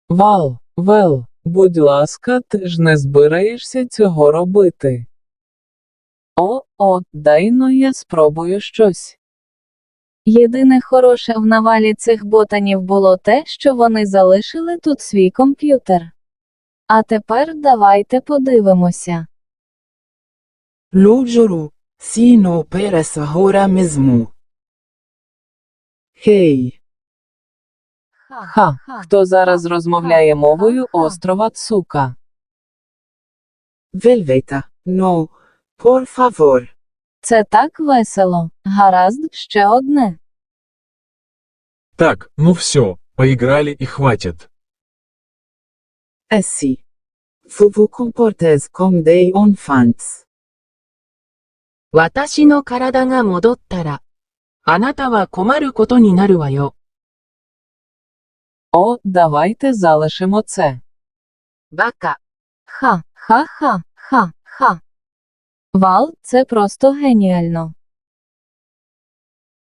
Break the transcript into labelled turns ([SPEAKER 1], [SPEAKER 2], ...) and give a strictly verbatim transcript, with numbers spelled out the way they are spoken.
[SPEAKER 1] Вал, Вел, будь ласка, ти ж не збираєшся цього робити. О, о, дай-но я спробую щось.
[SPEAKER 2] Єдине хороше в навалі цих ботанів було те, що вони залишили тут свій комп'ютер. А тепер давайте подивимося.
[SPEAKER 3] Lo giuro, sì no peres ora mesmo. Хей,
[SPEAKER 1] Ха, хто зараз розмовляє мовою острова Цука?
[SPEAKER 3] Velveta, no, por favor.
[SPEAKER 2] Це так весело. Гаразд, ще одне.
[SPEAKER 4] Так, ну все, поиграли и хватит.
[SPEAKER 3] Eh sì. Vous vous comportez comme des enfants.
[SPEAKER 5] 私の体が戻ったら、あなたは困ることになるわよ。
[SPEAKER 1] О, давайте залишимо це.
[SPEAKER 5] バカ。
[SPEAKER 2] Ха, ха-ха, ха, ха. Вал, це просто геніально.